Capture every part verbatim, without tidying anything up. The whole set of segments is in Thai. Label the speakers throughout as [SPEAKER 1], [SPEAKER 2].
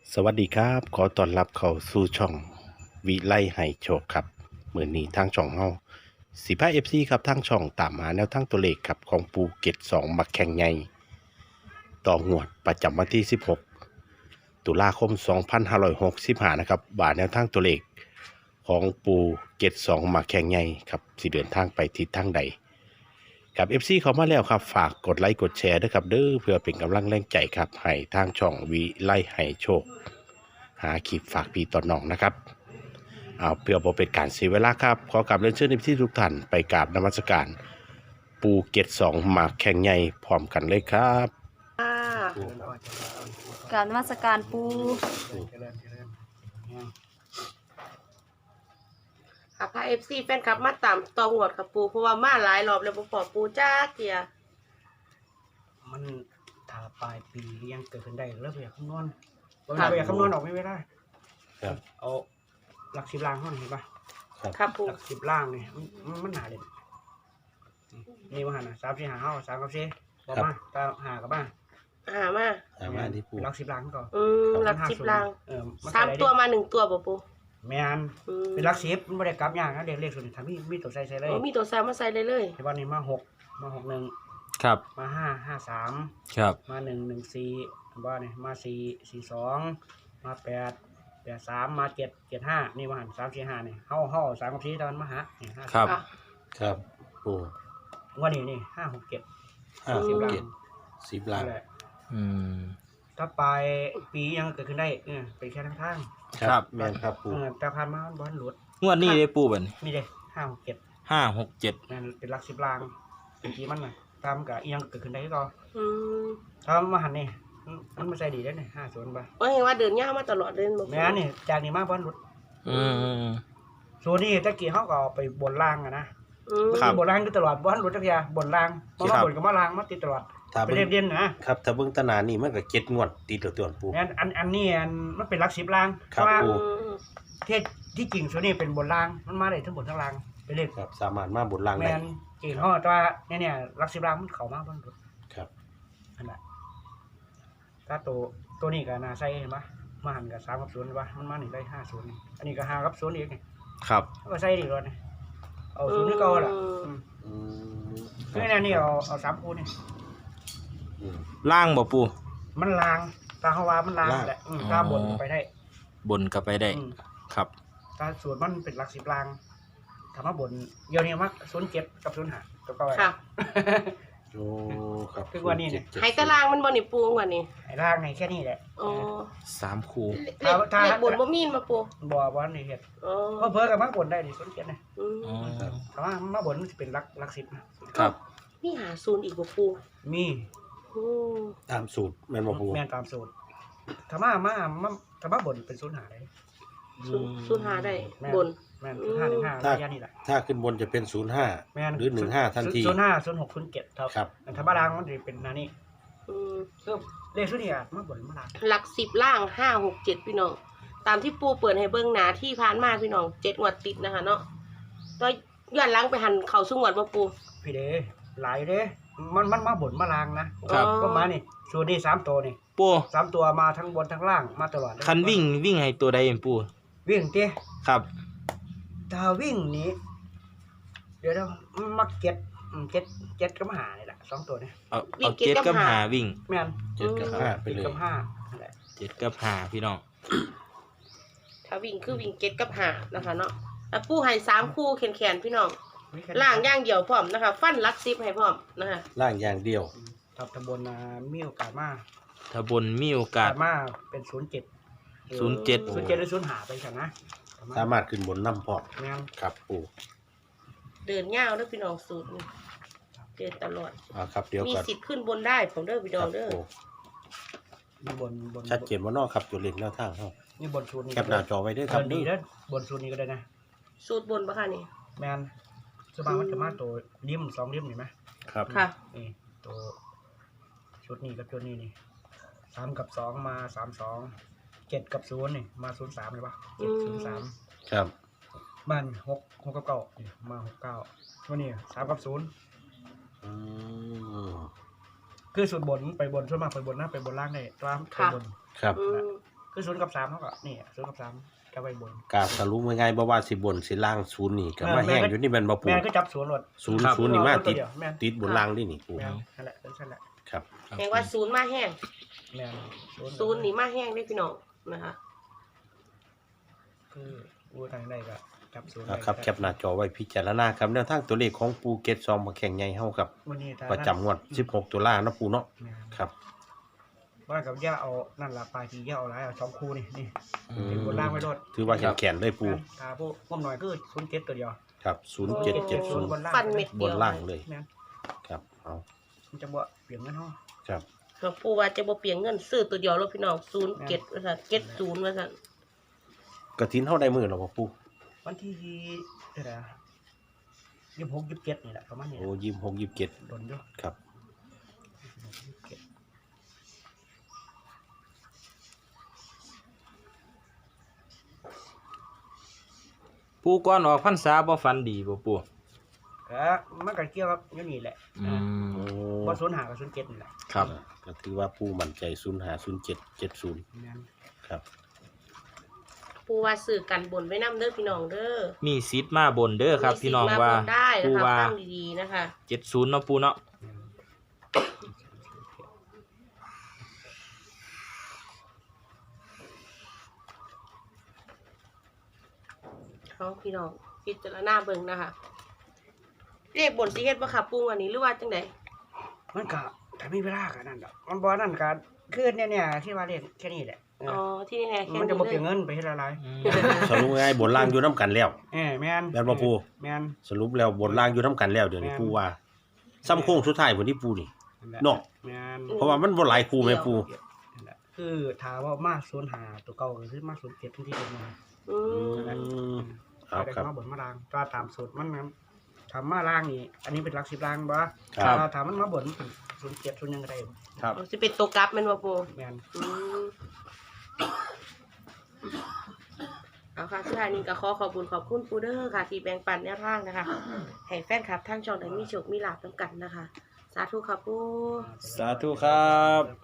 [SPEAKER 1] สวัสดีครับขอต้อนรับเข้าสู่ช่องวิไลให้โชคครับมื้อนี้ทางช่องเฮาสิพา เอฟ ซี ครับทางช่องตามหาแนวทางตัวเลขครับของปูเก็ตสองมักแข่งใหญ่ต่องวดประจำวันที่สิบหกตุลาคมสองพันห้าร้อยหกสิบห้านะครับว่าแนวทางตัวเลขของปูเก็ตสองมักแข่งใหญ่ครับสิเดินทางไปทิศทางใดกับ เอฟ ซี เข้ามาแล้วครับฝากกดไลค์กดแชร์ด้วยครับเด้อเพื่อเป็นกำลังแรงใจครับให้ทางช่องวิไลให้โชคหาคลิปฝากพี่ต่อน้องนะครับเอาเพื่อบ่เป็นการเสียเวลาครับขอกราบเรียนเชิญที่ทุกท่านไปกราบนมัสการปูเก็ตสองหมากแข่งใหญ่พร้อมกันเลยครับ
[SPEAKER 2] ค่ะการนมัสการปูค่ะพาเอฟซีแฟนคลับมาตามตองหวดค่ะปูเพราะว่ามาหลายรอบแล้วบ่พอปูจ้าเกีย
[SPEAKER 3] มันถ้าปลายปียังเกิดขึ้นได้แล้วไปอยากคำนวณบางทีไปอยากคำนวณออกไม่ได้ครับเอาหลักสิบล่างห้องเห็นปะ
[SPEAKER 2] ครับปู
[SPEAKER 3] หลักสิบล่างนี่มันมันหนาเด่นนี่ว่าหันนะสามสี่หาห้าสามกับสี่บอกมาตาหากับบ้าน
[SPEAKER 2] หามา
[SPEAKER 1] หามาที่ปู
[SPEAKER 3] หลักสิบล่างก่อน
[SPEAKER 2] อืมหลักสิบล่าง
[SPEAKER 3] เออ
[SPEAKER 2] สามตัวมาหนึ่งตัวบ่ปู
[SPEAKER 3] แม่นเป็นหลักสิบมันไม่ได้กลับยากนะเด็กเลขส่วนนี้ทำมีมีตัวใส่ใส่เลย
[SPEAKER 2] มีตัวสามมาใส่เลยเลย
[SPEAKER 3] ในวันนี้มาหกมาหกหนึ่ง
[SPEAKER 4] ครับ
[SPEAKER 3] มาห้าห้าสาม
[SPEAKER 4] ครับ
[SPEAKER 3] มาหนึ่งหนึ่งสี่บ้านนี่มาสี่สี่สองมาแปดแปดสามมาเจ็ดเจ็ดห้านี่มาหันสามสี่ห้านี่เฮ้าเฮ้าสามกับสี่ตอนมาหานี่ห้า
[SPEAKER 4] ครับ
[SPEAKER 1] ครับปู
[SPEAKER 3] วันนี้นี่ห้าหกเจ็ด
[SPEAKER 1] ห้าสิบเจ็ดสิบล้าน
[SPEAKER 4] อืม
[SPEAKER 3] ถ้าปลายปียังเกิดขึ้นได้เออเป็นแค่ทางทาง
[SPEAKER 1] ครับแม่นครับปู
[SPEAKER 3] เออแต่ผ่านมาบอลหลุด
[SPEAKER 4] งวดนี้ได้ปูบัด
[SPEAKER 3] นี่เลยห้าหกเจ็ด
[SPEAKER 4] ห้าหกเจ็ด
[SPEAKER 3] นั่นเป็นหลักสิบลางเป็นกี่มันน่ะตามกับยังเกิดขึ้นได้ก็
[SPEAKER 2] อืม
[SPEAKER 3] ถ้ามาหันนี่มันมาใส่ดีได้เนี่ยห้าศูนย์ไป
[SPEAKER 2] ว่าเห็นว่าเดินยาวมาตลอดเดินบ่
[SPEAKER 3] แม่นี่จากนี้มาบอลหลุด
[SPEAKER 4] อืม
[SPEAKER 3] ส่วนนี้ตะกี้เขาก็ไปบนล่างอะนะ
[SPEAKER 4] ครับ
[SPEAKER 3] บนล่างก็ตลอดบอลหลุดตะกี้บนล่างเพราะว่าบนกับมาล่างมาติดตลอดไปเรียนเรียนนะครับ
[SPEAKER 1] ถ้าเบิ่งตนานี่มันก็เจ็ดงวดติดตัวตัวปู
[SPEAKER 3] อันอันอันนี้อันมันเป็นหลักสิบล่างเพราะว่าเทศที่จริงส่วนนี้เป็นบนล่างมันมาได้ทั้งบนทั้งล่างไปเรียน
[SPEAKER 1] ครับสามารถมาบนล่างได้
[SPEAKER 3] แม่นจริงเขาตัวเนี่ยเนี่ยลักสิบล้านมันเข้ามาบ้างด
[SPEAKER 1] ครับ
[SPEAKER 3] อันนั้นถ้าตัวตัวนี้กับนาไซเห็นปะมาหันกับสามกับศูนย์เห็นปะมันมาหนึ่งได้ห้าศูนย์อันนี้ก็ห้ากับศูนย์อีกไง
[SPEAKER 4] ครับ
[SPEAKER 3] ก็ไซดีกว่านี่เอาศูนย์นี่ก็ละอืมนี่นี่เอาเอาสามคูนี่
[SPEAKER 4] ล่างบ่ปู
[SPEAKER 3] มันลางตาเขาว่ามันลางแหละตาบนไปได้
[SPEAKER 4] บนก็ไปได้ครับ
[SPEAKER 3] ตาส่วนมันเป็นหลักสิบลางทำมาบนเดี๋ยวนี้มักศูนย์เจ็ดกับศูนย์ห้าตัวก็ไว้
[SPEAKER 2] ค่ะ
[SPEAKER 1] โอ้ครับ
[SPEAKER 3] คือวันนี้เนี่ย
[SPEAKER 2] ไห้ตารางมันบ่นี่ปูวันนี้
[SPEAKER 3] ไอ้ล่างในแค่นี้แหละ
[SPEAKER 2] อ๋อ
[SPEAKER 4] สามคู
[SPEAKER 2] เลขเลขบนบ่มีมาปู
[SPEAKER 3] บ่บ่นี่เฮ็ดอ๋อเพิ่นกับมาบนได้ดิศูนย์เจ็ดนะ
[SPEAKER 2] อืม
[SPEAKER 3] แต่ว่ามาบนมันสิเป็นหลักหลักสิบนะครับ
[SPEAKER 2] มีหาศูนย์อีกบ่ปู
[SPEAKER 3] มี
[SPEAKER 1] ตามสูตรแม่นบ่ปู
[SPEAKER 3] แม่นตามสูตรถ้ามามามาถ้ามาบนเป็นศูนย์ห้าได้
[SPEAKER 2] ศูนย์ห้าได้บน
[SPEAKER 3] แม่นศูนย์ห้าหนึ่งห้าระยะนี้แหละ
[SPEAKER 1] ถ้าขึ้นบนจะเป็นศูนย์ห้าหรือหนึ่งห้าทันที
[SPEAKER 3] ศูนย์ห้าศูนย์หกศูนย์เจ็ด
[SPEAKER 1] ครับ
[SPEAKER 3] ถ้ามาล่างมันจะเป็นนานี่
[SPEAKER 2] อืม
[SPEAKER 3] คือเลขชุดนี้อ่ะมาบนมาล่าง
[SPEAKER 2] หลักสิบล่างห้าหกเจ็ดพี่น้องตามที่ปูเปิดให้เบิ่งหนาที่ผ่านมาพี่น้องเจ็ดงวดติดนะคะเนาะก็ย้อนหลังไปหันเข่าสุงวดบ่ปู
[SPEAKER 3] พี่เด้หลายเด้มันมันมาบนมาล่างนะครับก็มานี่ส่วนนี้สามตัวนี่
[SPEAKER 4] ปู
[SPEAKER 3] สามตัวมาทั้งบนทั้งล่างมาตลอด
[SPEAKER 4] คันวิ่งวิ่งให้ตัวใดเองปู
[SPEAKER 3] วิ่งเต้
[SPEAKER 4] ครับ
[SPEAKER 3] ถ้าวิ่งนี้เดี๋ยวเรามักเก็ตเก็ตเก็ตกับหานี่แหละสองตัวนี่
[SPEAKER 4] เอาเอาเจ็ดกับหาวิ่ง
[SPEAKER 3] แม่น
[SPEAKER 1] เจ็ดกับห้าไปเลย
[SPEAKER 3] กับห้านั่นแหละ
[SPEAKER 4] เจ็ดกับหาพี่น้อง
[SPEAKER 2] ถ้าวิ่งคือวิ่งเจ็ดกับหานะคะเนาะแล้วปูให้สามคู่แขนๆพี่น้องล่างย่างเดียวพร้อมนะคะฟันลักซิปให้พร้อมนะคะ
[SPEAKER 1] ล่างอย่างเดียว
[SPEAKER 3] ทับตะบนมีโอกาสมา
[SPEAKER 4] ถ้าบนมีโอกาส
[SPEAKER 3] มาเป็นศูนย์เจ็ด
[SPEAKER 4] ศูนย์เจ็ด
[SPEAKER 3] ศูนย์เจ็ดหรือศูนย์หาไปกันนะ
[SPEAKER 1] สามารถขึ้นบนน้ำพอครับปู
[SPEAKER 2] เดินเงาด้วยพี่น้องสูตรเดินตลอด
[SPEAKER 1] อ่าครับเดี๋ยว
[SPEAKER 2] มีสิทธิ์ขึ้นบนได้ผมเด้อพี่น้องเด้อ
[SPEAKER 3] มีบนบน
[SPEAKER 1] ชัดเจนว่านอกครับจุดเล็กแล้วทางเขา
[SPEAKER 3] นี่บนสูตรนี้
[SPEAKER 1] แคปหน้าจอไว้ด้วยครับ
[SPEAKER 3] นี่แล้วบนสูตรนี้ก็ได้นะ
[SPEAKER 2] สูตรบนปะคะนี่
[SPEAKER 3] แมนสบายมันจะมาตัวริมสองริมเห็นไหม
[SPEAKER 1] ครับ
[SPEAKER 2] ค่ะ
[SPEAKER 3] นี่ตัวชุดนี้กับชุดนี้นี่สามกับสองมาสามสองเจ็ดกับศูนย์นี่มาศูนย์สามเลยปะเจ็ดศูนย์สาม
[SPEAKER 1] ครับ
[SPEAKER 3] บ้านหกหกกับเก้านี่มาหกเก้าวันนี้สามกับศูนย์คือสุดบนไปบนส่วนมากไปบนนะไปบนล่างได้ตามไปบน
[SPEAKER 1] ครับ
[SPEAKER 3] คือศูนย์กับสามเขาก็นี่ศูนย์กับสามจะไปบน
[SPEAKER 1] กาสรุปง่ายๆบ่ว่าสิบนสิล่างศูนย์นี่ก็มา
[SPEAKER 3] เออแม่
[SPEAKER 1] แห้ง
[SPEAKER 3] ก็
[SPEAKER 1] อยู่นี่แม่นบ่ปู
[SPEAKER 3] แม่นก็จับศูนย์หมด
[SPEAKER 1] ศูนย์ศูนย์นี่มาติด
[SPEAKER 3] แม่น
[SPEAKER 1] ติดบนล่างนี่นี่ปู
[SPEAKER 3] แม่นนั่นแหละนั่นแหละ
[SPEAKER 1] ครับ
[SPEAKER 2] แห่งว่าศูนย์มาแห้ง
[SPEAKER 3] แม่น
[SPEAKER 2] ศูนย์นี่มาแห้งได้พี่น้องนะคะ
[SPEAKER 3] คืออูทางใดก็จับศูนย์
[SPEAKER 1] นะครับแคปหน้าจอไว้พิจารณาครับแนวทางตัวเลขของปูเก็ตซองมาแข่งใหญ่เฮาครับ
[SPEAKER 3] วันนี้ถ้า
[SPEAKER 1] ประจำงวดสิบหกตุลาเนาะปูเนาะ
[SPEAKER 3] แม่น
[SPEAKER 1] ครับ
[SPEAKER 3] ว่ากับย่าเอานั่นละปลายทีย่าเอาหลายเอาสองคู่นี่นี่
[SPEAKER 4] อืม
[SPEAKER 3] เป็นบนล่างไว้โดด
[SPEAKER 1] ถือว่าแข็งๆเลยปู
[SPEAKER 3] ตาพวกพวกหน่อยก็ศูนย์เจ็ดตัวเดียว
[SPEAKER 1] ครับศูนย์เจ็ดเจ็ดศูนย์
[SPEAKER 3] บนล่าง
[SPEAKER 2] ฟันเม็ด
[SPEAKER 1] บ
[SPEAKER 2] เดีย
[SPEAKER 1] น
[SPEAKER 2] ว
[SPEAKER 1] ล่างเลย
[SPEAKER 3] แม่น
[SPEAKER 1] ครับเอา
[SPEAKER 3] มันจะบ่เปลี่ยนเงินห้อ
[SPEAKER 1] ครับ
[SPEAKER 2] หลวงปู่ว่าจะบ่เปลี่ยนเงินซื้อตัวเดียวแล้วพี่น้องศูนย์เก็ดว่าซั่นเก็ดศูนย์ว่าซั่น
[SPEAKER 1] กระถินเฮาได้มื้อแล้วบ่ปู
[SPEAKER 3] วันที่เท่าไหร่ยี่สิบหกยี่สิบเจ็ดนี่แหละประมาณนี้
[SPEAKER 1] โอ้ยี่สิบหก ยี่สิบเจ็ด
[SPEAKER 3] โดนอยู่
[SPEAKER 1] ครับ
[SPEAKER 4] ปูก่อนออกพรรษาบ่ฝันดีบ่ปู
[SPEAKER 3] ก็มันก็เกี่ยวกับอยู่นี่แหละ
[SPEAKER 4] อืม
[SPEAKER 1] โอ้
[SPEAKER 3] บ่ศูนย์ห้ากับศูนย์เจ็ดนี่แหละ
[SPEAKER 4] ครับ
[SPEAKER 1] ก็ถือว่าปูมั่นใจศูนย์ห้า ศูนย์เจ็ด เจ็ดศูนย์
[SPEAKER 3] แม่น
[SPEAKER 1] ครับ
[SPEAKER 2] ปู่ว่าซื้อกันบนไว้นํเด้อพี่น้องเด้อ
[SPEAKER 4] มีสิทธิ์มาบนเด้อครับ พี่น้องว่า
[SPEAKER 2] มีสิทธิ์มบนได้
[SPEAKER 4] ปู
[SPEAKER 2] นะคะ
[SPEAKER 4] ว่า
[SPEAKER 2] ฟังดีๆนะคะ
[SPEAKER 4] เจ็ดศูนย์เนาะปูเนาะ
[SPEAKER 3] แม่น
[SPEAKER 2] เขาพี่น้องพิจารณาเบิ่งนะคะเลขบนสิเฮ็ดบ่ค่ะปู่อันนี้หรือว่าจังได
[SPEAKER 3] มันก็ถ้ามีเวลาก็นั่นดอกมันบ่นั่นก็คือเนี่ยเนี่ยที่ว่าเล่นแค่นี้แหละเออ
[SPEAKER 2] อ๋อที่นี่แหละแค่
[SPEAKER 3] มัน
[SPEAKER 2] นี้
[SPEAKER 3] จะบ่เป
[SPEAKER 2] เล
[SPEAKER 3] ลี่ย
[SPEAKER 2] ย
[SPEAKER 3] นเงินไปเฮ็ดอะไร
[SPEAKER 4] อืม
[SPEAKER 1] สรุปง่ายๆบนล่างอยู่น้ำกันแล้ว
[SPEAKER 3] เออแม่น
[SPEAKER 1] แม่นบ่ปู่
[SPEAKER 3] แม่น
[SPEAKER 1] สรุปแล้วบนล่างอยู่น้ำกันแล้วเดี๋ยวนี้
[SPEAKER 3] แม่น
[SPEAKER 1] ปูว่าซ้ำโค้งสุดท้ายพุ่นที่ปูนี่
[SPEAKER 3] นั่นแหละ
[SPEAKER 1] เนาะ
[SPEAKER 3] แม่น
[SPEAKER 1] เพราะว่ามันบ่หลายคู่แม่ปู
[SPEAKER 3] นั่นแหละคือถามว่ามาศูนย์ห้าตัวเก่าก็คือมาศูนย์เจ็ดทุกที่เป็นมา
[SPEAKER 2] อืม
[SPEAKER 1] อืมค
[SPEAKER 3] เอา
[SPEAKER 1] รับ
[SPEAKER 3] ได้
[SPEAKER 1] ครับ
[SPEAKER 3] มาบนมาล่างก็ตามสูตรมันนั้นถามมาล่างนี่อันนี้เป็นหลักสิบล่างบ่
[SPEAKER 1] ครับ
[SPEAKER 3] ถ้าถามมันมาบนเป็นศูนย์เจ็ดศูนย์ยังก็ได้
[SPEAKER 1] ครับ
[SPEAKER 2] สิเป็นตัวกลับแม่นบ่ปู่
[SPEAKER 3] แม่น
[SPEAKER 2] อืมเอาค่ะสุดท้ายนี้ก็ขอขอบคุณขอบคุณปูเดอร์ค่ะ ที่แบ่งปันแนวทางนะคะ ให้แฟนคลับทั้งช่องได้มีโชคมีลาภนำกันนะคะ สาธุค่ะปู
[SPEAKER 4] สาธุครับ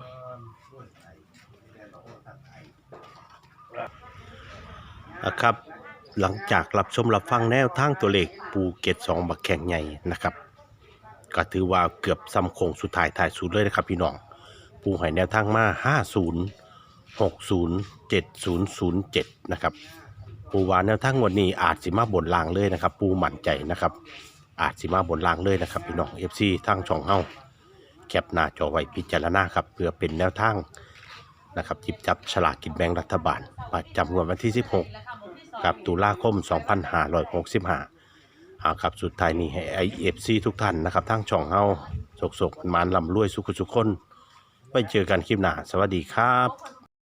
[SPEAKER 1] นะครับ หลังจากรับชมรับฟังแนวทางตัวเลขปูเก็ตสองบักแข่งใหญ่นะครับ ก็ถือว่าเกือบซ้ำโค้งสุดท้ายท้ายสุดเลยนะครับพี่น้อง ปูให้แนวทางมาห้าศูนย์ หกศูนย์ เจ็ดศูนย์ ศูนย์เจ็ดนะครับ ปูว่าแนวทางงวดนี้อาจสิมาบนล่างเลยนะครับ ปูมั่นใจนะครับ อาจสิมาบนล่างเลยนะครับพี่น้อง เอฟ ซี ทางช่องเฮาแคปหน้าจอไว้พิจารณาครับเพื่อเป็นแนวทางนะครับจิบจับฉลากกินแบ่งรัฐบาลประจำงวดวันที่สิบหกกับตุลาคมสองพันห้าร้อยหกสิบห้าเอาครับสุดท้ายนี้ให้ ไอ เอฟ ซี ทุกท่านนะครับทางช่องเฮาสกๆมันๆร่ำรวยสุขสุขคนไว้เจอกันคลิปหน้าสวัสดีครับ